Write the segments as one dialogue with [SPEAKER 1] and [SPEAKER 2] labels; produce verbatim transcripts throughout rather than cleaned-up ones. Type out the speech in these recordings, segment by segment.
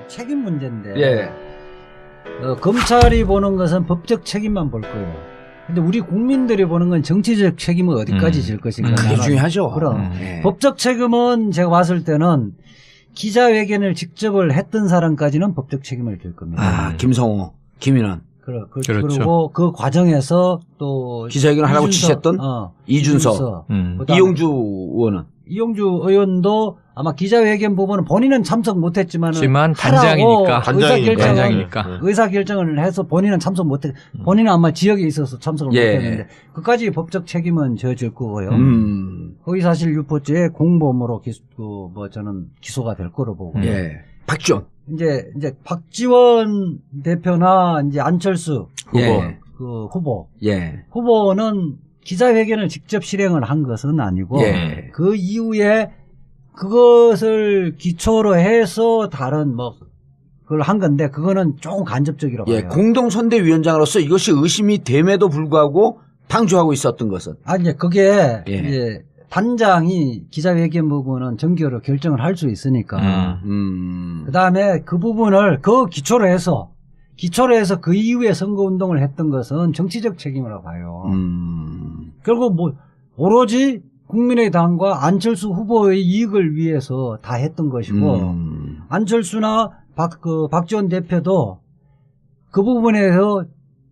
[SPEAKER 1] 책임 문제인데
[SPEAKER 2] 예.
[SPEAKER 1] 어, 검찰이 보는 것은 법적 책임만 볼 거예요. 근데 우리 국민들이 보는 건 정치적 책임은 어디까지
[SPEAKER 3] 음.
[SPEAKER 1] 질 것인가.
[SPEAKER 2] 음, 그게 중요하죠.
[SPEAKER 1] 그럼
[SPEAKER 3] 음.
[SPEAKER 2] 예.
[SPEAKER 1] 법적 책임은 제가 봤을 때는 기자회견을 직접을 했던 사람까지는 법적 책임을 질 겁니다.
[SPEAKER 2] 아, 김성호, 김인환.
[SPEAKER 1] 그러, 그,
[SPEAKER 3] 그렇죠.
[SPEAKER 1] 그리고 그 과정에서 또
[SPEAKER 2] 기자회견을 하라고
[SPEAKER 1] 이준석,
[SPEAKER 2] 지시했던
[SPEAKER 1] 어,
[SPEAKER 2] 이준석,
[SPEAKER 1] 이준석,
[SPEAKER 3] 음.
[SPEAKER 1] 그다음에
[SPEAKER 2] 이용주 의원은.
[SPEAKER 1] 이용주 의원도 아마 기자회견 부분은 본인은 참석 못했지만
[SPEAKER 3] 하지만 단장이니까.
[SPEAKER 1] 의사결정을
[SPEAKER 3] 단장이니까.
[SPEAKER 1] 의사결정을 해서 본인은 참석 못했. 본인은 아마 지역에 있어서 참석을
[SPEAKER 2] 예.
[SPEAKER 1] 못했는데 그까지 법적 책임은 져질 거고요.
[SPEAKER 2] 음.
[SPEAKER 1] 허위사실 유포죄 공범으로 기소, 그, 뭐 저는 기소가 될 거로 보고.
[SPEAKER 3] 음.
[SPEAKER 2] 예. 박지원.
[SPEAKER 1] 이제 이제 박지원 대표나 이제 안철수 후보,
[SPEAKER 2] 예.
[SPEAKER 1] 그 후보,
[SPEAKER 2] 예.
[SPEAKER 1] 후보는 기자회견을 직접 실행을 한 것은 아니고
[SPEAKER 2] 예.
[SPEAKER 1] 그 이후에 그것을 기초로 해서 다른 뭐 그걸 한 건데 그거는 조금 간접적이라고
[SPEAKER 2] 예.
[SPEAKER 1] 봐요.
[SPEAKER 2] 공동선대위원장으로서 이것이 의심이 됨에도 불구하고 방조하고 있었던 것은.
[SPEAKER 1] 아 이제 그게
[SPEAKER 2] 예.
[SPEAKER 1] 이제 단장이 기자회견 부분은 정기로 결정을 할 수 있으니까.
[SPEAKER 3] 음.
[SPEAKER 2] 음.
[SPEAKER 1] 그 다음에 그 부분을 그 기초로 해서 기초로 해서 그 이후에 선거운동을 했던 것은 정치적 책임이라고 봐요.
[SPEAKER 2] 음.
[SPEAKER 1] 결국 뭐 오로지 국민의당과 안철수 후보의 이익을 위해서 다 했던 것이고
[SPEAKER 2] 음.
[SPEAKER 1] 안철수나 박, 그 박지원 대표도 그 부분에서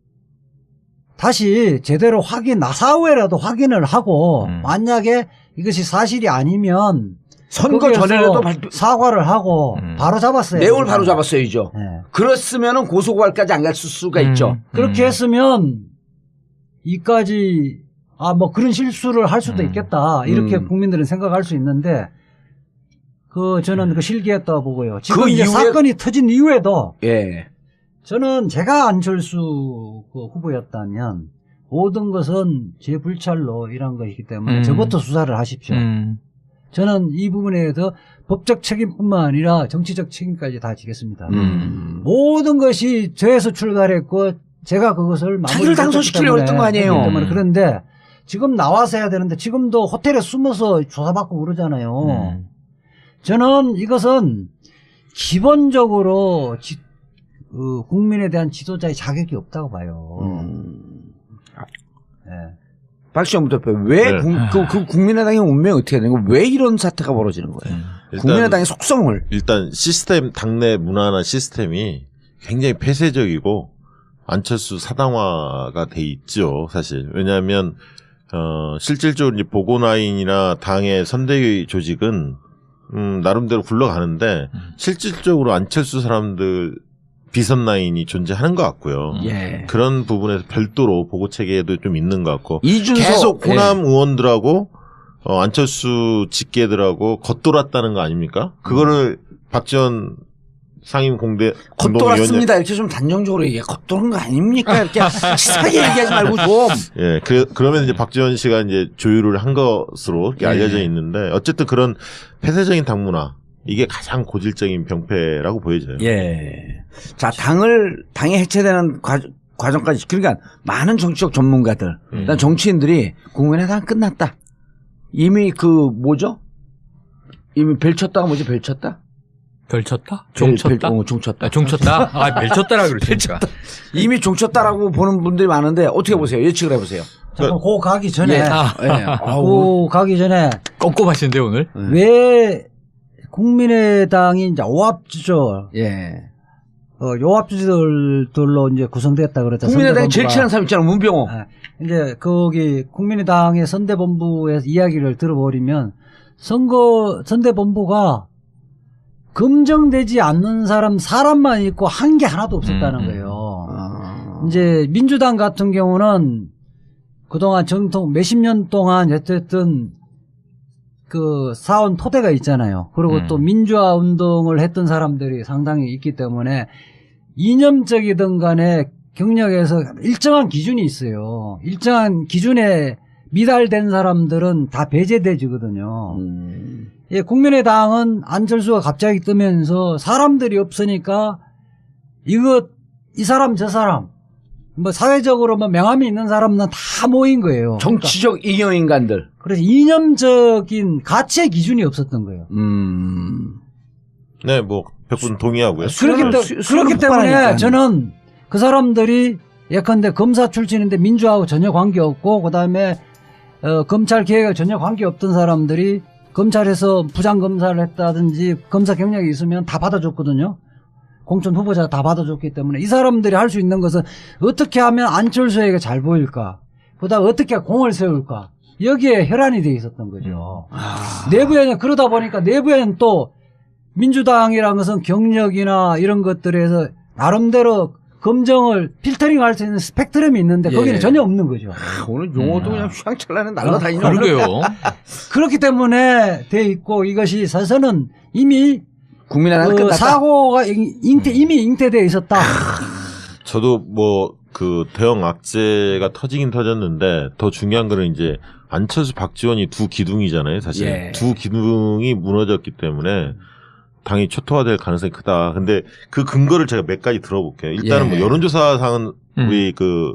[SPEAKER 1] 다시 제대로 확인, 사후에라도 확인을 하고
[SPEAKER 3] 음.
[SPEAKER 1] 만약에 이것이 사실이 아니면
[SPEAKER 2] 선거
[SPEAKER 1] 거기에서
[SPEAKER 2] 전에라도 발표,
[SPEAKER 1] 사과를 하고
[SPEAKER 3] 음.
[SPEAKER 1] 바로 잡았어요.
[SPEAKER 2] 내용을 바로 잡았어야죠.
[SPEAKER 1] 네.
[SPEAKER 2] 그렇으면은 고소고발까지 안 갈 수가
[SPEAKER 3] 음.
[SPEAKER 2] 있죠.
[SPEAKER 1] 그렇게
[SPEAKER 3] 음.
[SPEAKER 1] 했으면 이까지 아 뭐 그런 실수를 할 수도
[SPEAKER 3] 음.
[SPEAKER 1] 있겠다 이렇게
[SPEAKER 2] 음.
[SPEAKER 1] 국민들은 생각할 수 있는데 그 저는 그 실기했다고 보고요. 지금
[SPEAKER 2] 그
[SPEAKER 1] 이제
[SPEAKER 2] 이후에-
[SPEAKER 1] 사건이 터진 이후에도
[SPEAKER 2] 예.
[SPEAKER 1] 저는 제가 안철수 그 후보였다면 모든 것은 제 불찰로 이런 것이기 때문에
[SPEAKER 3] 음.
[SPEAKER 1] 저부터 수사를 하십시오.
[SPEAKER 3] 음.
[SPEAKER 1] 저는 이 부분에 대해서 법적 책임뿐만 아니라 정치적 책임까지 다 지겠습니다.
[SPEAKER 2] 음.
[SPEAKER 1] 모든 것이 저에서 출발했고 제가 그것을
[SPEAKER 2] 자기를 당선시키려고 했던 거 아니에요.
[SPEAKER 1] 했기 때문에.
[SPEAKER 3] 음.
[SPEAKER 1] 그런데 지금 나와서 해야 되는데 지금도 호텔에 숨어서 조사받고 그러잖아요.
[SPEAKER 3] 음.
[SPEAKER 1] 저는 이것은 기본적으로 지, 그 국민에 대한 지도자의 자격이 없다고 봐요.
[SPEAKER 2] 음.
[SPEAKER 1] 네.
[SPEAKER 2] 박시영 대표, 왜
[SPEAKER 4] 네.
[SPEAKER 2] 국, 그, 그 국민의당의 운명이 어떻게 되는 거예요? 왜 이런 사태가 벌어지는 거예요?
[SPEAKER 3] 음.
[SPEAKER 4] 일단,
[SPEAKER 2] 국민의당의 속성을.
[SPEAKER 4] 일단 시스템, 당내 문화나 시스템이 굉장히 폐쇄적이고 안철수 사당화가 돼 있죠, 사실. 왜냐하면 어, 실질적으로 이제 보고라인이나 당의 선대위 조직은 음, 나름대로 굴러가는데
[SPEAKER 3] 음.
[SPEAKER 4] 실질적으로 안철수 사람들 비선 라인이 존재하는 것 같고요.
[SPEAKER 2] 예.
[SPEAKER 4] 그런 부분에서 별도로 보고 체계도 좀 있는 것 같고
[SPEAKER 2] 이준석.
[SPEAKER 4] 계속
[SPEAKER 2] 예.
[SPEAKER 4] 호남 의원들하고 어, 안철수 직계들하고 겉돌았다는 거 아닙니까? 그거를 박지원 상임 공대
[SPEAKER 2] 겉돌았습니다. 이렇게 좀 단정적으로 얘기해. 겉돌은 거 아닙니까? 이렇게 치사하게 얘기하지 말고 좀.
[SPEAKER 4] 예, 그, 그러면 이제 박지원 씨가 이제 조율을 한 것으로 이렇게
[SPEAKER 2] 예.
[SPEAKER 4] 알려져 있는데, 어쨌든 그런 폐쇄적인 당문화, 이게 가장 고질적인 병폐라고 보여져요.
[SPEAKER 2] 예. 자, 당을, 당이 해체되는 과, 과정까지. 그러니까 많은 정치적 전문가들,
[SPEAKER 4] 음.
[SPEAKER 2] 난 정치인들이 국민의당 끝났다. 이미 그, 뭐죠? 이미 벨 쳤다가 뭐지? 벨 쳤다?
[SPEAKER 3] 별 쳤다?
[SPEAKER 2] 벨,
[SPEAKER 3] 종 쳤다?
[SPEAKER 2] 벨, 어, 종 쳤다.
[SPEAKER 3] 아, 종 쳤다? 아, 별 쳤다라 그러시니까.
[SPEAKER 2] 이미 종 쳤다라고 보는 분들이 많은데 어떻게 보세요? 예측을 해보세요.
[SPEAKER 1] 잠깐 고 가기 전에
[SPEAKER 2] 예.
[SPEAKER 3] 아.
[SPEAKER 2] 예. 아우.
[SPEAKER 1] 고 가기 전에
[SPEAKER 3] 꼼꼼하신데, 오늘?
[SPEAKER 1] 왜 국민의당이 이제 오합지졸
[SPEAKER 2] 예.
[SPEAKER 1] 어, 요합지졸들로 이제 구성됐다 그랬죠.
[SPEAKER 2] 국민의당이 제일
[SPEAKER 1] 선대본부가.
[SPEAKER 2] 친한 사람 있잖아, 문병호.
[SPEAKER 1] 아, 이제 거기 국민의당의 선대본부에서 이야기를 들어버리면 선거 선대본부가 검증되지 않는 사람 사람만 있고 한 게 하나도 없었다는
[SPEAKER 3] 음, 음.
[SPEAKER 1] 거예요.
[SPEAKER 2] 아.
[SPEAKER 1] 이제 민주당 같은 경우는 그동안 정통 몇십 년 동안 어쨌든 그 사원 토대가 있잖아요. 그리고
[SPEAKER 3] 음.
[SPEAKER 1] 또 민주화 운동을 했던 사람들이 상당히 있기 때문에 이념적이든 간에 경력에서 일정한 기준이 있어요. 일정한 기준에 미달된 사람들은 다 배제돼지거든요.
[SPEAKER 2] 음.
[SPEAKER 1] 예, 국민의당은 안철수가 갑자기 뜨면서 사람들이 없으니까 이거 이 사람 저 사람 뭐 사회적으로 뭐 명함이 있는 사람은 다 모인 거예요.
[SPEAKER 2] 정치적 이념인간들.
[SPEAKER 1] 그러니까 그래서 이념적인 가치의 기준이 없었던 거예요.
[SPEAKER 2] 음.
[SPEAKER 4] 네, 뭐 백 분 동의하고요.
[SPEAKER 1] 그렇기, 때,
[SPEAKER 2] 수- 수요는
[SPEAKER 1] 그렇기 때문에
[SPEAKER 2] 폭발하니까.
[SPEAKER 1] 저는 그 사람들이 예컨대 검사 출신인데 민주하고 전혀 관계없고 그다음에 어, 검찰 개혁에 전혀 관계없던 사람들이 검찰에서 부장검사를 했다든지 검사 경력이 있으면 다 받아줬거든요. 공천 후보자가 다 받아줬기 때문에 이 사람들이 할 수 있는 것은 어떻게 하면 안철수에게 잘 보일까, 그다음 어떻게 공을 세울까, 여기에 혈안이 돼 있었던 거죠.
[SPEAKER 2] 아.
[SPEAKER 1] 내부에는 그러다 보니까 내부에는 또 민주당이라는 것은 경력이나 이런 것들에서 나름대로 검정을 필터링할 수 있는 스펙트럼이 있는데 거기는
[SPEAKER 2] 예.
[SPEAKER 1] 전혀 없는 거죠.
[SPEAKER 2] 오늘 용어도
[SPEAKER 3] 음.
[SPEAKER 2] 그냥 휘황찬란히 날아다니는.
[SPEAKER 3] 그러게요.
[SPEAKER 1] 그렇기 때문에 돼 있고 이것이 사실은 이미
[SPEAKER 2] 국민의당은
[SPEAKER 1] 그
[SPEAKER 2] 끝났다.
[SPEAKER 1] 사고가 잉- 잉태, 이미 잉태되어 있었다.
[SPEAKER 4] 저도 뭐 그 대형 악재가 터지긴 터졌는데 더 중요한 거는 이제 안철수 박지원이 두 기둥이잖아요. 사실
[SPEAKER 2] 예.
[SPEAKER 4] 두 기둥이 무너졌기 때문에 당이 초토화될 가능성이 크다. 근데 그 근거를 제가 몇 가지 들어볼게요. 일단은
[SPEAKER 2] 예.
[SPEAKER 4] 뭐 여론조사상은
[SPEAKER 3] 음.
[SPEAKER 4] 우리 그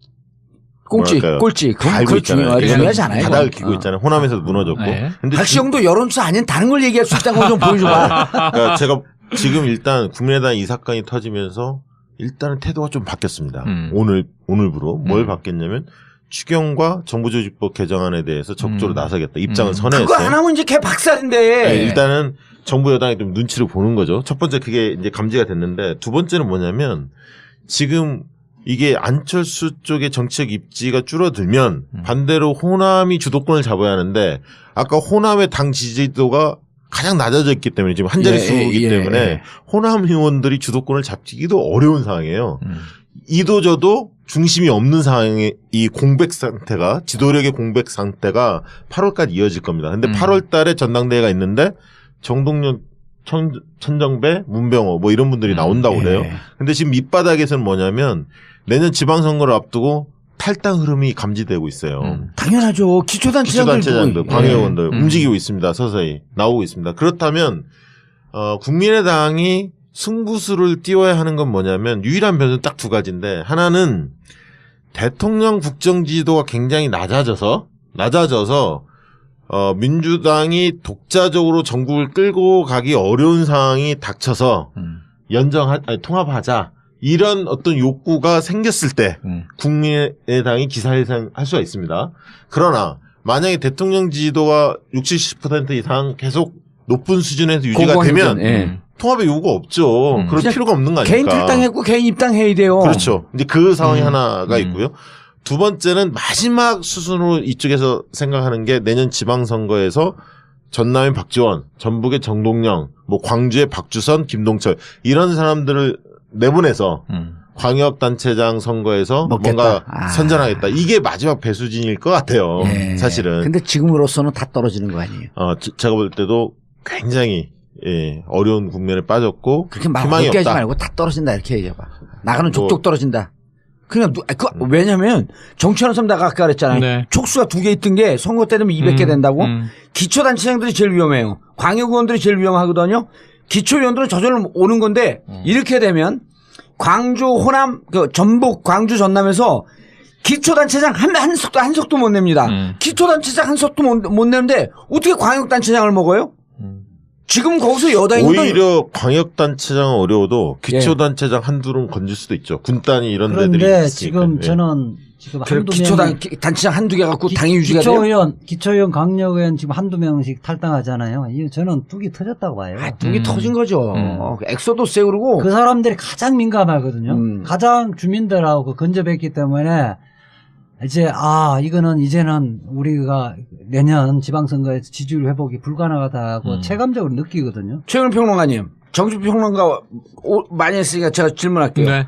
[SPEAKER 2] 꼴찌,
[SPEAKER 4] 뭐랄까요?
[SPEAKER 2] 꼴찌.
[SPEAKER 4] 다
[SPEAKER 2] 그건
[SPEAKER 4] 알고
[SPEAKER 2] 그거
[SPEAKER 4] 있잖아요.
[SPEAKER 2] 중요하지, 중요하지 않아요.
[SPEAKER 4] 바닥을
[SPEAKER 2] 그건.
[SPEAKER 4] 기고
[SPEAKER 2] 어.
[SPEAKER 4] 있잖아요. 호남에서도 무너졌고.
[SPEAKER 3] 네.
[SPEAKER 4] 근데
[SPEAKER 2] 박시영도 여론조사 아닌 다른 걸 얘기할 수 있다는 거 좀 보여줘봐.
[SPEAKER 4] 그러니까 제가 지금 일단 국민의당 이 사건이 터지면서 일단은 태도가 좀 바뀌었습니다.
[SPEAKER 3] 음.
[SPEAKER 4] 오늘 오늘부로 뭘
[SPEAKER 3] 음.
[SPEAKER 4] 바뀌었냐면 추경과 정부조직법 개정안에 대해서 적극적으로
[SPEAKER 3] 음.
[SPEAKER 4] 나서겠다 입장을
[SPEAKER 3] 음.
[SPEAKER 4] 선회했어요.
[SPEAKER 2] 그거 안 하면 이제 걔 박살인데.
[SPEAKER 4] 네, 일단은 정부 여당이 좀 눈치를 보는 거죠. 첫 번째 그게 이제 감지가 됐는데 두 번째는 뭐냐면 지금 이게 안철수 쪽의 정치적 입지가 줄어들면
[SPEAKER 3] 음.
[SPEAKER 4] 반대로 호남이 주도권을 잡아야 하는데 아까 호남의 당 지지도가 가장 낮아져 있기 때문에 지금 한 자리
[SPEAKER 2] 예,
[SPEAKER 4] 수이기
[SPEAKER 2] 예,
[SPEAKER 4] 때문에
[SPEAKER 2] 예.
[SPEAKER 4] 호남 의원들이 주도권을 잡기도 어려운 상황이에요.
[SPEAKER 3] 음.
[SPEAKER 4] 이도저도 중심이 없는 상황의 이 공백 상태가 지도력의 공백 상태가 팔월까지 이어질 겁니다. 근데
[SPEAKER 3] 음.
[SPEAKER 4] 팔월 달에 전당대회가 있는데 정동영, 천, 천정배, 문병호 뭐 이런 분들이
[SPEAKER 3] 음,
[SPEAKER 4] 나온다고 그래요.
[SPEAKER 2] 예.
[SPEAKER 4] 근데 지금 밑바닥에서는 뭐냐면 내년 지방선거를 앞두고 탈당 흐름이 감지되고 있어요.
[SPEAKER 3] 음.
[SPEAKER 2] 당연하죠. 기초단체장들.
[SPEAKER 4] 기초단체장들,
[SPEAKER 2] 누구-
[SPEAKER 4] 광의원들
[SPEAKER 3] 음.
[SPEAKER 4] 움직이고 있습니다. 서서히 나오고 있습니다. 그렇다면 어, 국민의당이 승부수를 띄워야 하는 건 뭐냐면 유일한 변수는 딱 두 가지인데 하나는 대통령 국정지도가 굉장히 낮아져서 낮아져서 어, 민주당이 독자적으로 전국을 끌고 가기 어려운 상황이 닥쳐서
[SPEAKER 3] 음.
[SPEAKER 4] 연정하 아니, 통합하자 이런 어떤 욕구가 생겼을 때
[SPEAKER 3] 음.
[SPEAKER 4] 국민의당이 기사회생할 수가 있습니다. 그러나 만약에 대통령 지지도가 육십, 칠십 퍼센트 이상 계속 높은 수준에서 유지가
[SPEAKER 2] 공공유전,
[SPEAKER 4] 되면
[SPEAKER 2] 예.
[SPEAKER 3] 음.
[SPEAKER 4] 통합의 요구가 없죠.
[SPEAKER 3] 음.
[SPEAKER 4] 그럴
[SPEAKER 2] 그냥
[SPEAKER 4] 필요가 없는 거 아닙니까?
[SPEAKER 2] 개인 탈당했고 개인 입당해야 돼요.
[SPEAKER 4] 그렇죠. 이제 그 상황이
[SPEAKER 3] 음.
[SPEAKER 4] 하나가
[SPEAKER 3] 음.
[SPEAKER 4] 있고요. 두 번째는 마지막 수순으로 이쪽에서 생각하는 게 내년 지방선거에서 전남의 박지원, 전북의 정동영, 뭐 광주의 박주선, 김동철 이런 사람들을 내보내서
[SPEAKER 3] 음.
[SPEAKER 4] 광역단체장 선거에서
[SPEAKER 2] 먹겠다.
[SPEAKER 4] 뭔가
[SPEAKER 2] 아.
[SPEAKER 4] 선전하겠다. 이게 마지막 배수진일 것 같아요.
[SPEAKER 2] 예.
[SPEAKER 4] 사실은.
[SPEAKER 2] 근데 지금으로서는 다 떨어지는 거 아니에요.
[SPEAKER 4] 어, 저- 제가 볼 때도 굉장히 예, 어려운 국면에 빠졌고
[SPEAKER 2] 그렇게 말
[SPEAKER 4] 희망이
[SPEAKER 2] 어렵게 하지
[SPEAKER 4] 없다.
[SPEAKER 2] 말고 다 떨어진다 이렇게 얘기해봐. 나가는
[SPEAKER 4] 뭐-
[SPEAKER 2] 족족 떨어진다. 그냥 누, 아, 그,
[SPEAKER 4] 음.
[SPEAKER 2] 왜냐면 정치하는 사람 내가 아까 그랬잖아요.
[SPEAKER 3] 네.
[SPEAKER 2] 촉수가 두 개 있던 게 선거 때 되면 이백 개
[SPEAKER 3] 음.
[SPEAKER 2] 된다고.
[SPEAKER 3] 음.
[SPEAKER 2] 기초단체장들이 제일 위험해요. 광역의원들이 제일 위험하거든요. 기초의원들은 저절로 오는 건데
[SPEAKER 3] 음.
[SPEAKER 2] 이렇게 되면 광주, 호남, 그 전북, 광주, 전남에서 기초단체장 한, 한 석도, 한 석도 못 냅니다.
[SPEAKER 3] 음.
[SPEAKER 2] 기초단체장 한 석도 못, 못 내는데 어떻게 광역단체장을 먹어요?
[SPEAKER 3] 음.
[SPEAKER 2] 지금 거기서 여당이
[SPEAKER 4] 오히려 광역단체장은 어려워도 기초단체장 한둘은 건질 수도 있죠. 군단이 이런 데들이
[SPEAKER 1] 그런데
[SPEAKER 4] 있으니까.
[SPEAKER 1] 지금
[SPEAKER 4] 예.
[SPEAKER 1] 저는 지금
[SPEAKER 2] 그
[SPEAKER 1] 한두
[SPEAKER 2] 기초단
[SPEAKER 1] 명이
[SPEAKER 2] 기- 단체장 한두 개 갖고
[SPEAKER 1] 기-
[SPEAKER 2] 당이 유지가 돼요?
[SPEAKER 1] 기초의원, 기초의원, 강력의원 지금 한두 명씩 탈당하잖아요. 이 저는 뚝이 터졌다고 봐요.
[SPEAKER 2] 아, 뚝이
[SPEAKER 3] 음.
[SPEAKER 2] 터진 거죠.
[SPEAKER 3] 음.
[SPEAKER 2] 엑소도스에 그러고
[SPEAKER 1] 그 사람들이 가장 민감하거든요.
[SPEAKER 2] 음.
[SPEAKER 1] 가장 주민들하고 근접했기 때문에 이제 아 이거는 이제는 우리가 내년 지방선거에서 지지율 회복이 불가능하다고
[SPEAKER 3] 음.
[SPEAKER 1] 체감적으로 느끼거든요.
[SPEAKER 2] 최근 평론가님, 정치평론가 오- 많이 했으니까 제가 질문할게요.
[SPEAKER 3] 네.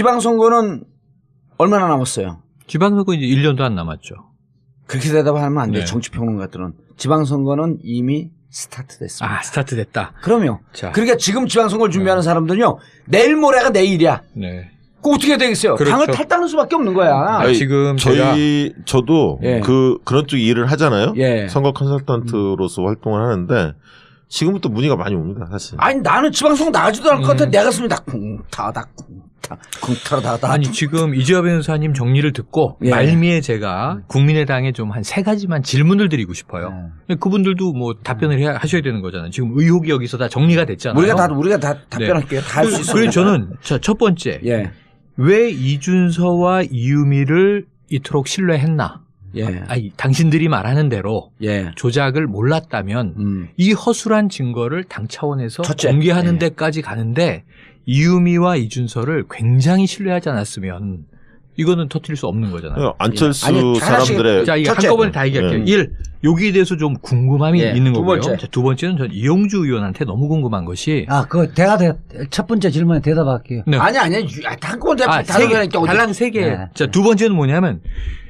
[SPEAKER 2] 지방선거는 얼마나 남았어요?
[SPEAKER 3] 지방선거 이제 일 년도 안 남았죠.
[SPEAKER 2] 그렇게 대답하면 안 돼요.
[SPEAKER 3] 네.
[SPEAKER 2] 정치평론가들은. 지방선거는 이미 스타트 됐습니다.
[SPEAKER 3] 아, 스타트 됐다.
[SPEAKER 2] 그럼요.
[SPEAKER 3] 자.
[SPEAKER 2] 그러니까 지금 지방선거를 준비하는 사람들은요. 내일 모레가 내일이야.
[SPEAKER 3] 네.
[SPEAKER 2] 그 어떻게 되겠어요?
[SPEAKER 3] 그렇죠.
[SPEAKER 2] 당을 탈당할 수밖에 없는 거야.
[SPEAKER 3] 아, 지금 제가
[SPEAKER 4] 저희 저도
[SPEAKER 2] 예.
[SPEAKER 4] 그 그런 쪽 일을 하잖아요.
[SPEAKER 2] 예.
[SPEAKER 4] 선거 컨설턴트로서 활동을 하는데 지금부터 문의가 많이 옵니다. 사실.
[SPEAKER 2] 아니 나는 지방선거 나가지도 않을 것 같아.
[SPEAKER 3] 음.
[SPEAKER 2] 내 가슴이 다 쿵타다 쿵탕 쿵타라다다.
[SPEAKER 3] 아니 지금 이재화 변호사님 정리를 듣고
[SPEAKER 2] 예.
[SPEAKER 3] 말미에 제가 국민의당에 좀 한 세 가지만 질문을 드리고 싶어요.
[SPEAKER 1] 네.
[SPEAKER 3] 그분들도 뭐 답변을 해야 하셔야 되는 거잖아요. 지금 의혹이 여기서 다 정리가 됐잖아요.
[SPEAKER 2] 우리가 다 우리가 다 답변할게요. 다 할 수 있어요.
[SPEAKER 3] 그래서 저는 자, 첫 번째
[SPEAKER 2] 예.
[SPEAKER 3] 왜 이준서와 이유미를 이토록 신뢰했나?
[SPEAKER 2] 예.
[SPEAKER 3] 아니, 당신들이 말하는 대로
[SPEAKER 2] 예.
[SPEAKER 3] 조작을 몰랐다면
[SPEAKER 2] 음.
[SPEAKER 3] 이 허술한 증거를 당 차원에서
[SPEAKER 2] 첫째.
[SPEAKER 3] 공개하는
[SPEAKER 2] 예.
[SPEAKER 3] 데까지 가는데 이유미와 이준서를 굉장히 신뢰하지 않았으면 이거는 터뜨릴 수 없는 거잖아요.
[SPEAKER 4] 안철수
[SPEAKER 2] 아니, 하나씩-
[SPEAKER 4] 사람들의
[SPEAKER 3] 자, 이게
[SPEAKER 2] 첫째.
[SPEAKER 3] 한꺼번에 다 얘기할게요.
[SPEAKER 4] 음.
[SPEAKER 3] 일, 여기에 대해서 좀 궁금함이
[SPEAKER 2] 예,
[SPEAKER 3] 있는
[SPEAKER 2] 두
[SPEAKER 3] 거고요.
[SPEAKER 2] 번째.
[SPEAKER 3] 자, 두 번째는 전 이용주 의원한테 너무 궁금한 것이
[SPEAKER 1] 아, 그 대화 대, 첫 번째 질문에 대답할게요.
[SPEAKER 3] 네.
[SPEAKER 2] 아니 아니 한꺼번에
[SPEAKER 3] 아,
[SPEAKER 2] 다
[SPEAKER 3] 세 개,
[SPEAKER 2] 답변하니까 어디-
[SPEAKER 3] 달랑 세 개.
[SPEAKER 1] 네.
[SPEAKER 3] 자, 두 번째는 뭐냐면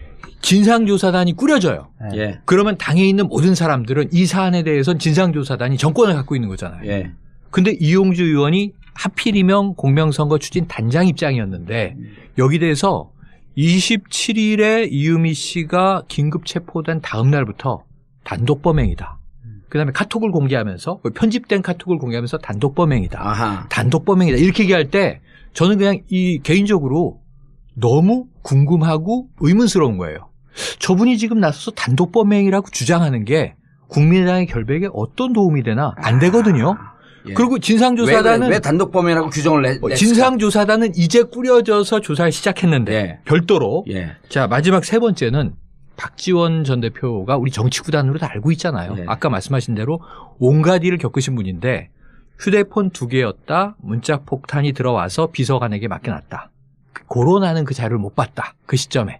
[SPEAKER 3] 진상조사단이 꾸려져요.
[SPEAKER 1] 네.
[SPEAKER 2] 예.
[SPEAKER 3] 그러면 당에 있는 모든 사람들은 이 사안에 대해서는 진상조사단이 정권을 갖고 있는 거잖아요.
[SPEAKER 2] 예.
[SPEAKER 3] 근데 이용주 의원이 하필이면 공명선거 추진 단장 입장이었는데 여기 대해서 이십칠 일에 이유미 씨가 긴급 체포된 다음 날부터 단독 범행이다. 그다음에 카톡을 공개하면서 편집된 카톡을 공개하면서 단독 범행이다.
[SPEAKER 2] 아하.
[SPEAKER 3] 단독 범행이다. 이렇게 얘기할 때 저는 그냥 이 개인적으로 너무 궁금하고 의문스러운 거예요. 저분이 지금 나서서 단독 범행이라고 주장하는 게 국민의당의 결백에 어떤 도움이 되나 안 되거든요.
[SPEAKER 2] 예.
[SPEAKER 3] 그리고 진상조사단은
[SPEAKER 2] 왜, 왜, 왜 단독 범행이라고 규정을 내?
[SPEAKER 3] 어,
[SPEAKER 2] 냈을까?
[SPEAKER 3] 진상조사단은 이제 꾸려져서 조사를 시작했는데
[SPEAKER 2] 예.
[SPEAKER 3] 별도로
[SPEAKER 2] 예.
[SPEAKER 3] 자 마지막 세 번째는 박지원 전 대표가 우리 정치구단으로 다 알고 있잖아요.
[SPEAKER 2] 예.
[SPEAKER 3] 아까 말씀하신 대로 온갖 일을 겪으신 분인데 휴대폰 두 개였다. 문자 폭탄이 들어와서 비서관에게 맡겨놨다. 고론하는 그 자료를 못 봤다. 그 시점에.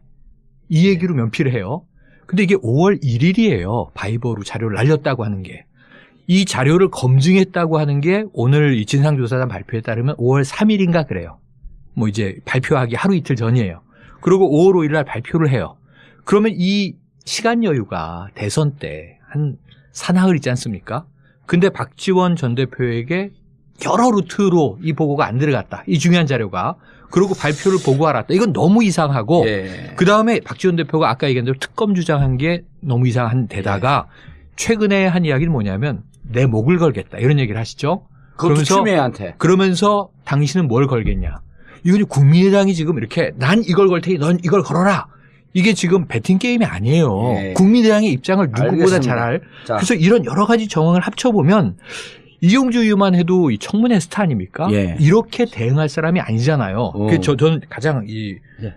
[SPEAKER 3] 이 얘기로 면피를 해요. 근데 이게 오월 일일이에요. 바이버로 자료를 날렸다고 하는 게. 이 자료를 검증했다고 하는 게 오늘 이 진상조사단 발표에 따르면 오월 삼일인가 그래요. 뭐 이제 발표하기 하루 이틀 전이에요. 그리고 오월 오일 날 발표를 해요. 그러면 이 시간 여유가 대선 때 한 사나흘 있지 않습니까? 근데 박지원 전 대표에게 여러 루트로 이 보고가 안 들어갔다. 이 중요한 자료가. 그리고 발표를 보고 알았다. 이건 너무 이상하고
[SPEAKER 2] 예.
[SPEAKER 3] 그 다음에 박지원 대표가 아까 얘기한 대로 특검 주장한 게 너무 이상한 데다가 최근에 한 이야기는 뭐냐면 내 목을 걸겠다. 이런 얘기를 하시죠.
[SPEAKER 2] 그것도
[SPEAKER 3] 그러면서-
[SPEAKER 2] 추미애한테.
[SPEAKER 3] 그러면서 당신은 뭘 걸겠냐. 이건 국민의당이 지금 이렇게 난 이걸 걸 테니 넌 이걸 걸어라. 이게 지금 배팅 게임이 아니에요.
[SPEAKER 2] 예.
[SPEAKER 3] 국민의당의 입장을 누구보다
[SPEAKER 2] 알겠습니다.
[SPEAKER 3] 잘 알.
[SPEAKER 2] 자.
[SPEAKER 3] 그래서 이런 여러 가지 정황을 합쳐보면 이용주 의원만 해도 이 청문회 스타 아닙니까?
[SPEAKER 2] 예.
[SPEAKER 3] 이렇게 대응할 사람이 아니잖아요.
[SPEAKER 2] 어.
[SPEAKER 3] 그 저, 저는 가장 이
[SPEAKER 1] 예.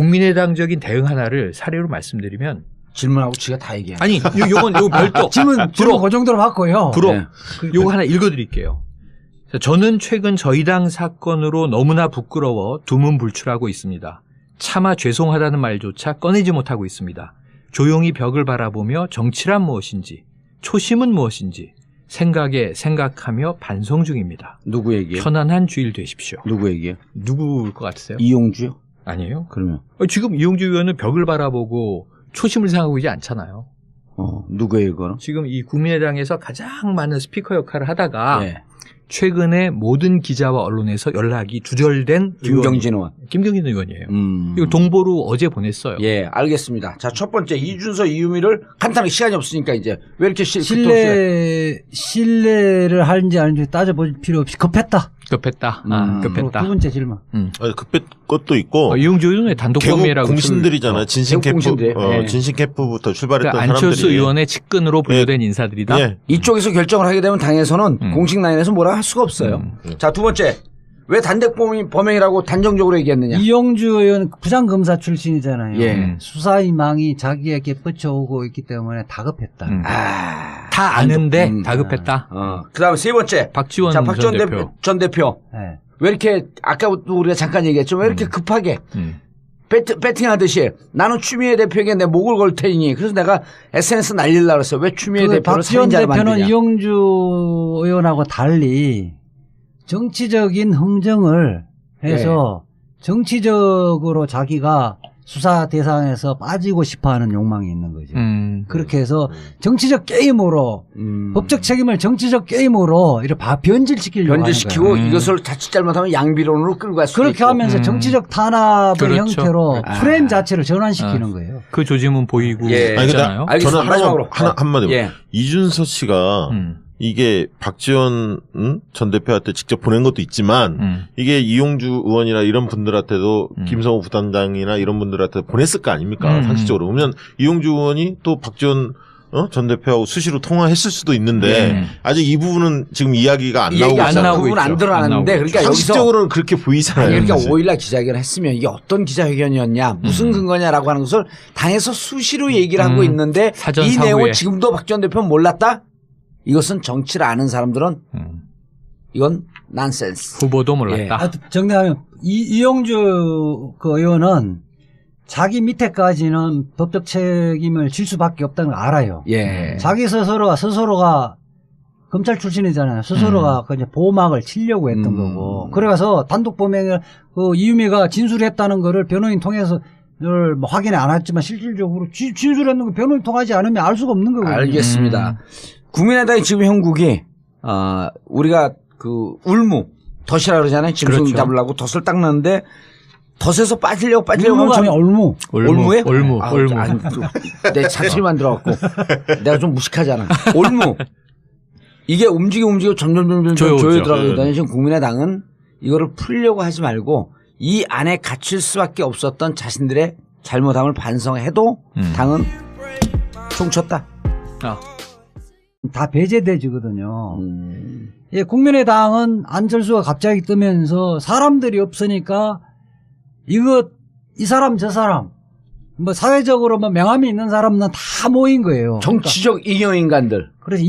[SPEAKER 3] 국민의당적인 대응 하나를 사례로 말씀드리면
[SPEAKER 2] 질문하고 지가 다 얘기해.
[SPEAKER 3] 아니 요, 요건 요거 별도
[SPEAKER 1] 질문, 질문 그 정도로 받고요.
[SPEAKER 3] 불어.
[SPEAKER 2] 예.
[SPEAKER 3] 요거 하나 읽어드릴게요. 자, 저는 최근 저희 당 사건으로 너무나 부끄러워 두문불출하고 있습니다. 차마 죄송하다는 말조차 꺼내지 못하고 있습니다. 조용히 벽을 바라보며 정치란 무엇인지, 초심은 무엇인지 생각에 생각하며 반성 중입니다.
[SPEAKER 2] 누구 얘기해?
[SPEAKER 3] 편안한 주일 되십시오.
[SPEAKER 2] 누구 얘기해?
[SPEAKER 3] 누구일 것 같으세요?
[SPEAKER 2] 이용주요?
[SPEAKER 3] 아니에요?
[SPEAKER 2] 그러면
[SPEAKER 3] 어, 지금 이용주 의원은 벽을 바라보고 초심을 생각하고 있지 않잖아요.
[SPEAKER 2] 어 누구 얘기거든?
[SPEAKER 3] 지금 이 국민의당에서 가장 많은 스피커 역할을 하다가
[SPEAKER 2] 예.
[SPEAKER 3] 최근에 모든 기자와 언론에서 연락이 두절된
[SPEAKER 2] 김경진 의원.
[SPEAKER 3] 의원, 김경진 의원이에요.
[SPEAKER 2] 음.
[SPEAKER 3] 이거 동보로 어제 보냈어요.
[SPEAKER 2] 예, 알겠습니다. 자, 첫 번째 이준서 이유미를 간단하게 시간이 없으니까 이제 왜 이렇게 실
[SPEAKER 1] 신뢰, 신뢰를 하는지 아닌지 따져볼 필요 없이 급했다.
[SPEAKER 3] 급했다.
[SPEAKER 2] 음.
[SPEAKER 3] 아,
[SPEAKER 1] 그리고
[SPEAKER 3] 급했다.
[SPEAKER 1] 두 번째 질문.
[SPEAKER 3] 음.
[SPEAKER 4] 아니, 급한 것도 있고
[SPEAKER 3] 어, 이용주 의원의 단독
[SPEAKER 4] 개국
[SPEAKER 3] 범죄라고
[SPEAKER 4] 공신들이잖아요. 진신
[SPEAKER 2] 개국
[SPEAKER 4] 캠프,
[SPEAKER 2] 공신들.
[SPEAKER 4] 어,
[SPEAKER 2] 예.
[SPEAKER 4] 진신 캠프부터 출발했던
[SPEAKER 3] 그러니까 안철수
[SPEAKER 4] 사람들이
[SPEAKER 3] 의원의 측근으로 분류된 인사들이다.
[SPEAKER 4] 예.
[SPEAKER 2] 이쪽에서 결정을 하게 되면 당에서는
[SPEAKER 3] 음.
[SPEAKER 2] 공식 라인에서 뭐라 할 수가 없어요.
[SPEAKER 3] 음.
[SPEAKER 2] 자, 두 번째. 왜 단독 범행, 범행이라고 단정적으로 얘기했느냐?
[SPEAKER 1] 이용주 의원 부장검사 출신이잖아요.
[SPEAKER 2] 예.
[SPEAKER 1] 수사의 망이 자기에게 뻗쳐오고 있기 때문에 다급했다.
[SPEAKER 3] 음.
[SPEAKER 2] 아,
[SPEAKER 3] 다 아는데
[SPEAKER 2] 음.
[SPEAKER 3] 다급했다.
[SPEAKER 2] 어. 그 다음에 세 번째.
[SPEAKER 3] 박지원
[SPEAKER 2] 자, 박 전
[SPEAKER 3] 전
[SPEAKER 2] 대표.
[SPEAKER 3] 대표.
[SPEAKER 2] 전 대표.
[SPEAKER 1] 예.
[SPEAKER 2] 왜 이렇게, 아까도 우리가 잠깐 얘기했지만 왜 이렇게
[SPEAKER 3] 음.
[SPEAKER 2] 급하게
[SPEAKER 3] 음.
[SPEAKER 2] 배트, 배팅하듯이 나는 추미애 대표에게 내 목을 걸 테니 그래서 내가 에스엔에스 날리려고 그랬어요. 왜 추미애
[SPEAKER 1] 그
[SPEAKER 2] 대표를
[SPEAKER 1] 박지원
[SPEAKER 2] 살인자로
[SPEAKER 1] 대표는
[SPEAKER 2] 만드냐?
[SPEAKER 1] 이용주 의원하고 달리 정치적인 흥정을 해서 정치적으로 자기가 수사 대상에서 빠지고 싶어하는 욕망이 있는 거죠.
[SPEAKER 3] 음.
[SPEAKER 1] 그렇게 해서 정치적 게임으로
[SPEAKER 2] 음.
[SPEAKER 1] 법적 책임을 정치적 게임으로 이렇게 바- 변질시키려고 하는
[SPEAKER 2] 변질시키고
[SPEAKER 1] 거예요.
[SPEAKER 3] 음.
[SPEAKER 2] 이것을 자칫 잘못하면 양비론으로 끌고 갈 수도
[SPEAKER 1] 그렇게
[SPEAKER 2] 있고.
[SPEAKER 1] 하면서
[SPEAKER 3] 음.
[SPEAKER 1] 정치적 탄압의
[SPEAKER 3] 그렇죠.
[SPEAKER 1] 형태로
[SPEAKER 2] 아.
[SPEAKER 1] 프레임 자체를 전환시키는
[SPEAKER 3] 아.
[SPEAKER 1] 거예요.
[SPEAKER 3] 그 조짐은 보이고
[SPEAKER 2] 예.
[SPEAKER 4] 아니, 근데
[SPEAKER 3] 있잖아요.
[SPEAKER 2] 알겠습니다.
[SPEAKER 4] 저는 하나,
[SPEAKER 2] 마지막으로.
[SPEAKER 4] 하나 한마디.
[SPEAKER 2] 예.
[SPEAKER 4] 이준서 씨가
[SPEAKER 3] 음.
[SPEAKER 4] 이게 박지원 음? 전 대표한테 직접 보낸 것도 있지만
[SPEAKER 3] 음.
[SPEAKER 4] 이게 이용주 의원이나 이런 분들한테도
[SPEAKER 3] 음.
[SPEAKER 4] 김성호 부단장이나 이런 분들한테 보냈을 거 아닙니까?
[SPEAKER 3] 음.
[SPEAKER 4] 상식적으로. 그러면 이용주 의원이 또 박지원 어? 전 대표하고 수시로 통화했을 수도 있는데
[SPEAKER 3] 네.
[SPEAKER 4] 아직 이 부분은 지금 이야기가 안
[SPEAKER 2] 이
[SPEAKER 4] 나오고
[SPEAKER 2] 얘기 안
[SPEAKER 4] 있잖아요.
[SPEAKER 3] 나오고
[SPEAKER 2] 나오고 안
[SPEAKER 3] 있죠. 안
[SPEAKER 2] 드러나는데
[SPEAKER 3] 나오고
[SPEAKER 2] 그러니까 여기서
[SPEAKER 4] 상식적으로는 그렇게 보이잖아요.
[SPEAKER 2] 아니, 그러니까
[SPEAKER 4] 사실.
[SPEAKER 2] 오일날 기자회견을 했으면 이게 어떤 기자회견이었냐, 무슨
[SPEAKER 3] 음.
[SPEAKER 2] 근거냐라고 하는 것을 당에서 수시로 얘기를 하고
[SPEAKER 3] 음.
[SPEAKER 2] 있는데
[SPEAKER 3] 사전
[SPEAKER 2] 이
[SPEAKER 3] 사후에.
[SPEAKER 2] 내용을 지금도 박 전 대표는 몰랐다? 이것은 정치를 아는 사람들은
[SPEAKER 3] 음.
[SPEAKER 2] 이건 난센스.
[SPEAKER 3] 후보도 몰랐다.
[SPEAKER 1] 하여튼 정리하면 이, 이용주 그 의원은 자기 밑에까지는 법적 책임을 질 수밖에 없다는 걸 알아요.
[SPEAKER 2] 예.
[SPEAKER 1] 자기 스스로가 스스로가 검찰 출신이잖아요. 스스로가
[SPEAKER 3] 음.
[SPEAKER 1] 그 이제 보호막을 치려고 했던
[SPEAKER 2] 음.
[SPEAKER 1] 거고. 그래서 단독 범행을 그 이유미가 진술했다는 거를 변호인 통해서 늘 뭐 확인이 안 했지만 실질적으로 지- 진술했는 거 변호인 통하지 않으면 알 수가 없는 거거든요.
[SPEAKER 2] 알겠습니다.
[SPEAKER 3] 음.
[SPEAKER 2] 국민의당의 지금 형국이 어, 우리가 그 울무 덫이라 그러잖아요. 짐승
[SPEAKER 3] 그렇죠.
[SPEAKER 2] 잡으려고 덫을 딱 넣는데 덫에서 빠지려고 빠지려고
[SPEAKER 1] 올무가 아니라
[SPEAKER 2] 하면
[SPEAKER 1] 올무.
[SPEAKER 3] 올무,
[SPEAKER 2] 올무에?
[SPEAKER 3] 올무,
[SPEAKER 2] 아,
[SPEAKER 3] 올무.
[SPEAKER 2] 아니, 그, 내 자취만 들어갔고 내가 좀 무식하잖아. 올무. 이게 움직여 움직여 점점 점점
[SPEAKER 3] 조여오죠.
[SPEAKER 2] 조여 들어가거든요.
[SPEAKER 4] 네.
[SPEAKER 2] 지금 국민의당은 이거를 풀려고 하지 말고 이 안에 갇힐 수밖에 없었던 자신들의 잘못함을 반성해도
[SPEAKER 3] 음.
[SPEAKER 2] 당은 총쳤다.
[SPEAKER 3] 아,
[SPEAKER 1] 다 배제돼지거든요.
[SPEAKER 2] 음.
[SPEAKER 1] 예, 국민의당은 안철수가 갑자기 뜨면서 사람들이 없으니까 이거 이 사람 저 사람 뭐 사회적으로 뭐 명함이 있는 사람은 다 모인 거예요.
[SPEAKER 2] 정치적 잉여인간들.
[SPEAKER 1] 그러니까 그래서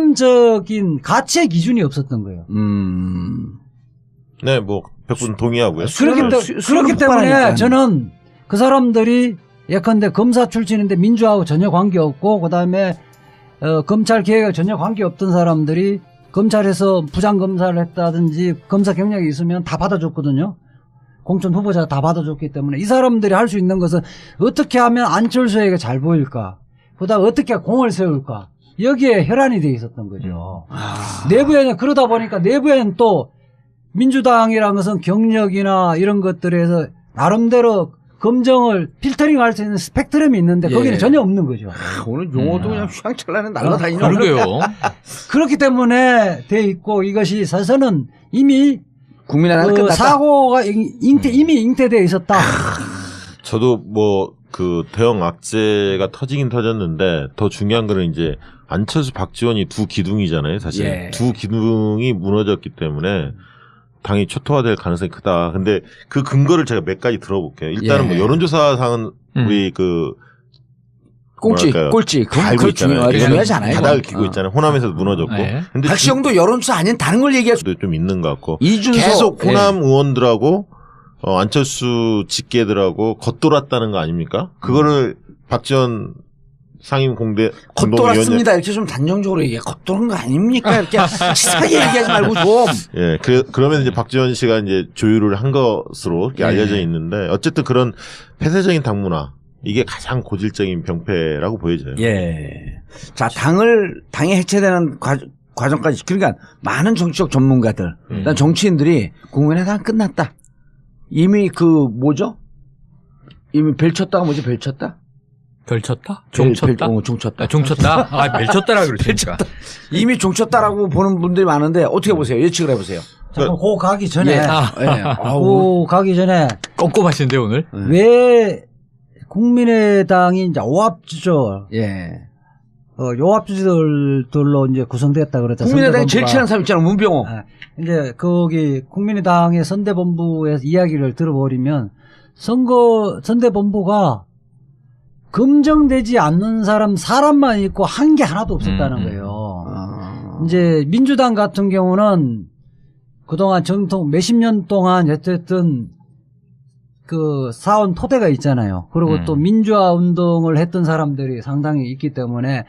[SPEAKER 1] 이념적인 가치의 기준이 없었던 거예요.
[SPEAKER 2] 음.
[SPEAKER 4] 네, 뭐 백 분 동의하고요.
[SPEAKER 1] 그렇기,
[SPEAKER 2] 수요를-
[SPEAKER 1] 때,
[SPEAKER 2] 수- 수요를
[SPEAKER 1] 그렇기 때문에
[SPEAKER 2] 폭발하니까.
[SPEAKER 1] 저는 그 사람들이 예컨대 검사 출신인데 민주하고 전혀 관계없고 그다음에 어, 검찰 개혁에 전혀 관계없던 사람들이 검찰에서 부장검사를 했다든지 검사 경력이 있으면 다 받아줬거든요. 공천 후보자 다 받아줬기 때문에 이 사람들이 할 수 있는 것은 어떻게 하면 안철수에게 잘 보일까, 그다음 어떻게 공을 세울까, 여기에 혈안이 돼 있었던 거죠.
[SPEAKER 2] 아.
[SPEAKER 1] 내부에는 그러다 보니까 내부에는 또 민주당이라는 것은 경력이나 이런 것들에서 나름대로 검정을 필터링할 수 있는 스펙트럼이 있는데
[SPEAKER 2] 예.
[SPEAKER 1] 거기는 전혀 없는 거죠.
[SPEAKER 2] 오늘 용어도
[SPEAKER 3] 음.
[SPEAKER 2] 그냥 휘황찬란해 날라다니는
[SPEAKER 3] 그러게요.
[SPEAKER 1] 그렇기 때문에 돼 있고 이것이 사실은 이미
[SPEAKER 2] 국민의당은
[SPEAKER 1] 그
[SPEAKER 2] 끝났다.
[SPEAKER 1] 사고가 잉- 잉태, 이미 잉태되어 있었다.
[SPEAKER 4] 저도 뭐 그 대형 악재가 터지긴 터졌는데 더 중요한 거는 이제 안철수 박지원이 두 기둥이잖아요. 사실
[SPEAKER 2] 예.
[SPEAKER 4] 두 기둥이 무너졌기 때문에 당이 초토화될 가능성이 크다. 근데 그 근거를 제가 몇 가지 들어볼게요. 일단은
[SPEAKER 2] 예.
[SPEAKER 4] 뭐 여론조사상은
[SPEAKER 3] 음.
[SPEAKER 4] 우리 그
[SPEAKER 2] 꼴찌,
[SPEAKER 4] 뭐랄까요?
[SPEAKER 2] 꼴찌.
[SPEAKER 4] 다
[SPEAKER 2] 그건
[SPEAKER 4] 알고
[SPEAKER 2] 그거
[SPEAKER 4] 있잖아요.
[SPEAKER 2] 중요하지, 중요하지 않아요.
[SPEAKER 4] 바닥을
[SPEAKER 2] 그건.
[SPEAKER 4] 기고
[SPEAKER 2] 어.
[SPEAKER 4] 있잖아요. 호남에서도 무너졌고.
[SPEAKER 3] 네.
[SPEAKER 4] 근데
[SPEAKER 2] 박시영도 여론조사 아닌 다른 걸 얘기할 수.
[SPEAKER 4] 도 좀 있는 것 같고.
[SPEAKER 2] 이준석
[SPEAKER 4] 계속
[SPEAKER 2] 예.
[SPEAKER 4] 호남 의원들하고 어, 안철수 직계들하고 겉돌았다는 거 아닙니까? 그거를 박지원 상임 공대 공동위원장
[SPEAKER 2] 겉돌았습니다. 이렇게 좀 단정적으로 얘기해. 겉도는 거 아닙니까? 이렇게 치사하게 얘기하지 말고 좀.
[SPEAKER 4] 예, 그, 그러면 이제 박지원 씨가 이제 조율을 한 것으로 이렇게
[SPEAKER 2] 예.
[SPEAKER 4] 알려져 있는데, 어쨌든 그런 폐쇄적인 당문화, 이게 가장 고질적인 병폐라고 보여져요.
[SPEAKER 2] 예. 자, 당을, 당이 해체되는 과, 과정까지. 그러니까 많은 정치적 전문가들,
[SPEAKER 4] 음.
[SPEAKER 2] 그다음 정치인들이 국민의당 끝났다. 이미 그, 뭐죠? 이미 벨 쳤다가 뭐지? 벨 쳤다?
[SPEAKER 3] 별 쳤다?
[SPEAKER 2] 벨,
[SPEAKER 3] 종 쳤다?
[SPEAKER 2] 벨, 어, 종 쳤다.
[SPEAKER 3] 아, 종 쳤다? 아, 별 쳤다라 그러시니까.
[SPEAKER 2] 이미 종 쳤다라고 보는 분들이 많은데 어떻게 보세요? 예측을 해보세요.
[SPEAKER 1] 자, 그럼 그 가기 전에,
[SPEAKER 2] 예.
[SPEAKER 3] 아,
[SPEAKER 2] 예. 아우.
[SPEAKER 1] 그 가기 전에
[SPEAKER 3] 꼼꼼하신데, 오늘?
[SPEAKER 1] 왜 국민의당이 이제 오합지졸,
[SPEAKER 2] 예.
[SPEAKER 1] 어, 요합지졸들로 이제 구성됐다 그랬죠.
[SPEAKER 2] 국민의당 제일
[SPEAKER 1] 선대본부가.
[SPEAKER 2] 친한 사람 있잖아, 문병호.
[SPEAKER 1] 아, 이제 거기 국민의당의 선대본부에서 이야기를 들어버리면 선거 선대본부가 검증되지 않는 사람 사람만 있고 한 게 하나도 없었다는
[SPEAKER 3] 음, 음.
[SPEAKER 1] 거예요.
[SPEAKER 2] 아.
[SPEAKER 1] 이제 민주당 같은 경우는 그동안 정통 몇십 년 동안 어쨌든 그 사원 토대가 있잖아요. 그리고
[SPEAKER 3] 음.
[SPEAKER 1] 또 민주화 운동을 했던 사람들이 상당히 있기 때문에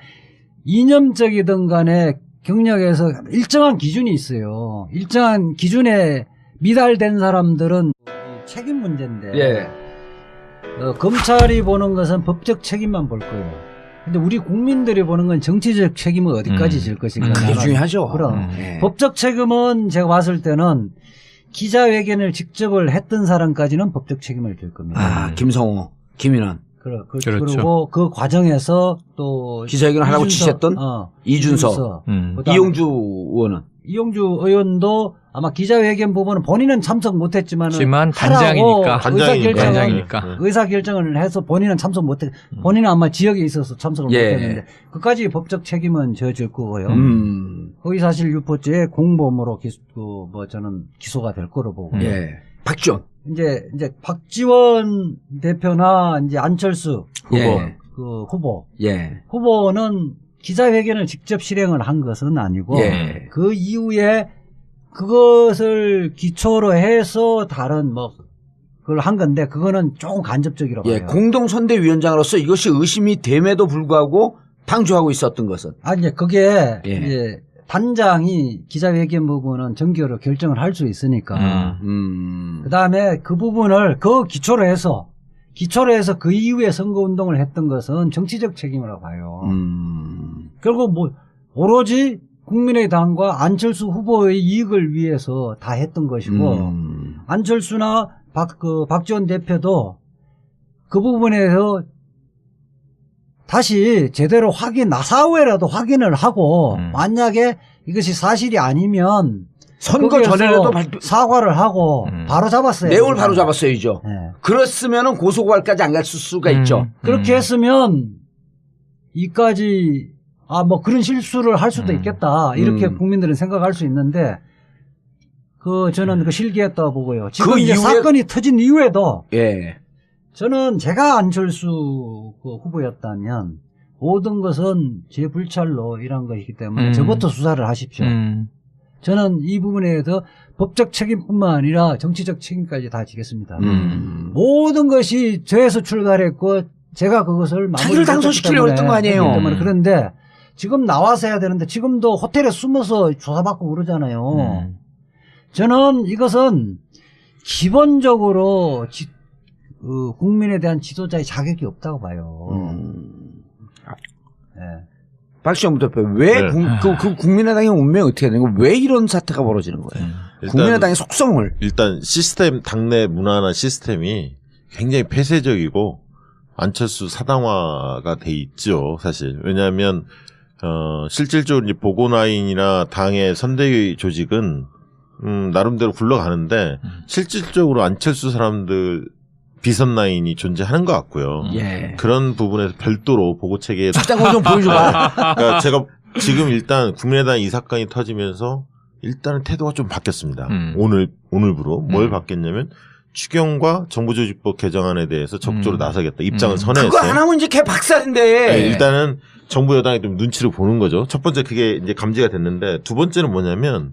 [SPEAKER 1] 이념적이든 간에 경력에서 일정한 기준이 있어요. 일정한 기준에 미달된 사람들은 책임 문제인데
[SPEAKER 2] 예.
[SPEAKER 1] 어, 검찰이 보는 것은 법적 책임만 볼 거예요. 근데 우리 국민들이 보는 건 정치적 책임을 어디까지
[SPEAKER 3] 음.
[SPEAKER 1] 질 것인가.
[SPEAKER 3] 음.
[SPEAKER 2] 그게 중요하죠.
[SPEAKER 1] 그럼.
[SPEAKER 3] 음.
[SPEAKER 2] 예.
[SPEAKER 1] 법적 책임은 제가 봤을 때는 기자회견을 직접을 했던 사람까지는 법적 책임을 질 겁니다.
[SPEAKER 2] 아, 김성호, 김인환.
[SPEAKER 1] 그래, 그,
[SPEAKER 3] 그렇죠.
[SPEAKER 1] 그리고 그 과정에서 또
[SPEAKER 2] 기자회견을 하라고
[SPEAKER 1] 이준서,
[SPEAKER 2] 지시했던
[SPEAKER 1] 어,
[SPEAKER 2] 이준서,
[SPEAKER 3] 음.
[SPEAKER 1] 그다음에
[SPEAKER 2] 이용주 의원은
[SPEAKER 1] 이용주 의원도 아마 기자회견 부분은 본인은 참석 못했지만은
[SPEAKER 3] 하지만
[SPEAKER 1] 하라고
[SPEAKER 3] 단장이니까.
[SPEAKER 1] 의사결정을
[SPEAKER 3] 단장이니까.
[SPEAKER 1] 의사결정을 해서 본인은 참석 못했. 본인은 아마 지역에 있어서 참석을
[SPEAKER 2] 예.
[SPEAKER 1] 못했는데 그까지 법적 책임은 져질 거고요.
[SPEAKER 2] 음.
[SPEAKER 1] 허위사실 유포죄 공범으로 기소, 그, 뭐 저는 기소가 될 거로 보고.
[SPEAKER 2] 예. 박지원
[SPEAKER 1] 이제 이제 박지원 대표나 이제 안철수
[SPEAKER 3] 후보.
[SPEAKER 2] 예.
[SPEAKER 1] 그 후보
[SPEAKER 2] 예.
[SPEAKER 1] 후보는 기자회견을 직접 실행을 한 것은 아니고
[SPEAKER 2] 예.
[SPEAKER 1] 그 이후에 그것을 기초로 해서 다른 뭐 그걸 한 건데 그거는 조금 간접적이라고
[SPEAKER 2] 예.
[SPEAKER 1] 봐요.
[SPEAKER 2] 공동선대위원장으로서 이것이 의심이 됨에도 불구하고 방조하고 있었던 것은
[SPEAKER 1] 아니 이제 그게
[SPEAKER 2] 예.
[SPEAKER 1] 이제 단장이 기자회견 부분은 정기로 결정을 할 수 있으니까
[SPEAKER 2] 음.
[SPEAKER 1] 그 다음에 그 부분을 그 기초로 해서 기초로 해서 그 이후에 선거운동을 했던 것은 정치적 책임이라고 봐요.
[SPEAKER 2] 음.
[SPEAKER 1] 결국 뭐 오로지 국민의당과 안철수 후보의 이익을 위해서 다 했던 것이고
[SPEAKER 2] 음.
[SPEAKER 1] 안철수나 박, 그 박지원 대표도 그 부분에서 다시 제대로 확인, 나사후에라도 확인을 하고
[SPEAKER 3] 음.
[SPEAKER 1] 만약에 이것이 사실이 아니면
[SPEAKER 2] 선거
[SPEAKER 1] 거기에서
[SPEAKER 2] 전에라도 발표,
[SPEAKER 1] 사과를 하고
[SPEAKER 3] 음.
[SPEAKER 1] 바로 잡았어요.
[SPEAKER 2] 내용을 바로 잡았어야죠.
[SPEAKER 1] 네.
[SPEAKER 2] 그랬으면은 고소고발까지 안 갔을 수가 있죠.
[SPEAKER 3] 음.
[SPEAKER 1] 그렇게
[SPEAKER 3] 음.
[SPEAKER 1] 했으면 이까지 아 뭐 그런 실수를 할 수도
[SPEAKER 3] 음.
[SPEAKER 1] 있겠다 이렇게
[SPEAKER 2] 음.
[SPEAKER 1] 국민들은 생각할 수 있는데 그 저는 그 실기했다고 보고요. 지금
[SPEAKER 2] 그
[SPEAKER 1] 이제
[SPEAKER 2] 이후에-
[SPEAKER 1] 사건이 터진 이후에도
[SPEAKER 2] 예.
[SPEAKER 1] 저는 제가 안철수 그 후보였다면 모든 것은 제 불찰로 일한 것이기 때문에
[SPEAKER 3] 음.
[SPEAKER 1] 저부터 수사를 하십시오.
[SPEAKER 3] 음.
[SPEAKER 1] 저는 이 부분에 대해서 법적 책임뿐만 아니라 정치적 책임까지 다 지겠습니다.
[SPEAKER 2] 음.
[SPEAKER 1] 모든 것이 저에서 출발했고 제가 그것을
[SPEAKER 2] 자기를 당선시키려고 했던 거 아니에요.
[SPEAKER 1] 했기 때문에.
[SPEAKER 3] 음.
[SPEAKER 1] 그런데 지금 나와서 해야 되는데 지금도 호텔에 숨어서 조사받고 그러잖아요.
[SPEAKER 3] 음.
[SPEAKER 1] 저는 이것은 기본적으로 지, 그 국민에 대한 지도자의 자격이 없다고 봐요.
[SPEAKER 2] 음.
[SPEAKER 1] 네.
[SPEAKER 2] 박지원 대표 왜
[SPEAKER 4] 네.
[SPEAKER 2] 국, 그, 그 국민의당의 운명이 어떻게 되는 거예요? 왜 이런 사태가 벌어지는 거예요?
[SPEAKER 3] 음.
[SPEAKER 4] 일단,
[SPEAKER 2] 국민의당의 속성을
[SPEAKER 4] 일단 시스템 당내 문화나 시스템이 굉장히 폐쇄적이고 안철수 사당화가 돼 있죠, 사실. 왜냐하면 어, 실질적으로 이제 보고나인이나 당의 선대위 조직은 음, 나름대로 굴러가는데
[SPEAKER 3] 음.
[SPEAKER 4] 실질적으로 안철수 사람들 비선 라인이 존재하는 것 같고요.
[SPEAKER 2] 예.
[SPEAKER 4] 그런 부분에서 별도로 보고 체계에
[SPEAKER 2] 출장고 좀 보여줘봐.
[SPEAKER 4] 그러니까 제가 지금 일단 국민의당 이 사건이 터지면서 일단은 태도가 좀 바뀌었습니다.
[SPEAKER 3] 음.
[SPEAKER 4] 오늘 오늘부로 뭘
[SPEAKER 3] 음.
[SPEAKER 4] 바뀌었냐면 추경과 정부조직법 개정안에 대해서 적극적으로
[SPEAKER 3] 음.
[SPEAKER 4] 나서겠다 입장을
[SPEAKER 3] 음.
[SPEAKER 4] 선회했어요.
[SPEAKER 2] 그거 안 하면 이제 걔 박살인데.
[SPEAKER 4] 네, 일단은 정부 여당이 좀 눈치를 보는 거죠. 첫 번째 그게 이제 감지가 됐는데 두 번째는 뭐냐면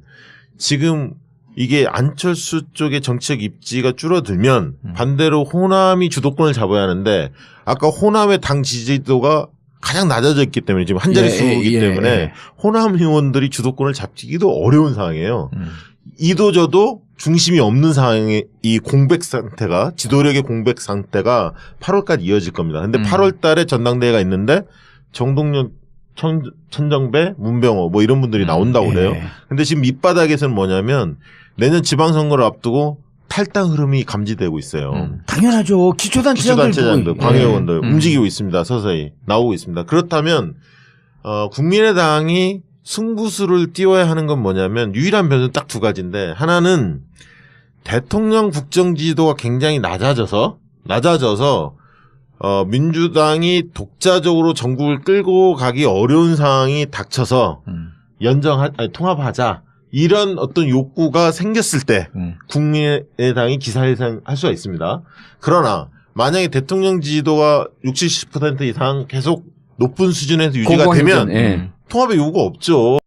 [SPEAKER 4] 지금 이게 안철수 쪽의 정치적 입지가 줄어들면
[SPEAKER 3] 음.
[SPEAKER 4] 반대로 호남이 주도권을 잡아야 하는데 아까 호남의 당 지지도가 가장 낮아져 있기 때문에 지금 한 자릿수이기
[SPEAKER 2] 예, 예,
[SPEAKER 4] 때문에
[SPEAKER 2] 예.
[SPEAKER 4] 호남 의원들이 주도권을 잡기도 어려운 상황이에요.
[SPEAKER 3] 음.
[SPEAKER 4] 이도저도 중심이 없는 상황의 이 공백 상태가 지도력의 공백 상태가 팔월까지 이어질 겁니다. 근데
[SPEAKER 3] 음.
[SPEAKER 4] 팔월 달에 전당대회가 있는데 정동영, 천, 천정배, 문병호 뭐 이런 분들이 나온다고 그래요.
[SPEAKER 2] 예.
[SPEAKER 4] 근데 지금 밑바닥에서는 뭐냐면 내년 지방선거를 앞두고 탈당 흐름이 감지되고 있어요.
[SPEAKER 3] 음.
[SPEAKER 2] 당연하죠. 기초단체장들.
[SPEAKER 4] 기초단체장들,
[SPEAKER 2] 보고.
[SPEAKER 4] 광의원들
[SPEAKER 3] 음.
[SPEAKER 4] 움직이고 있습니다. 서서히 나오고 있습니다. 그렇다면 어, 국민의당이 승부수를 띄워야 하는 건 뭐냐면 유일한 변수는 딱 두 가지인데 하나는 대통령 국정 지지도가 굉장히 낮아져서 낮아져서 어, 민주당이 독자적으로 전국을 끌고 가기 어려운 상황이 닥쳐서
[SPEAKER 3] 음.
[SPEAKER 4] 연정하 아니, 통합하자 이런 어떤 욕구가 생겼을 때
[SPEAKER 3] 음.
[SPEAKER 4] 국민의당이 기사회생 할 수가 있습니다. 그러나 만약에 대통령 지지도가 육십, 칠십 퍼센트 이상 계속 높은 수준에서 유지가
[SPEAKER 2] 공공행정,
[SPEAKER 4] 되면
[SPEAKER 2] 예.
[SPEAKER 3] 음.
[SPEAKER 4] 통합의 요구가 없죠.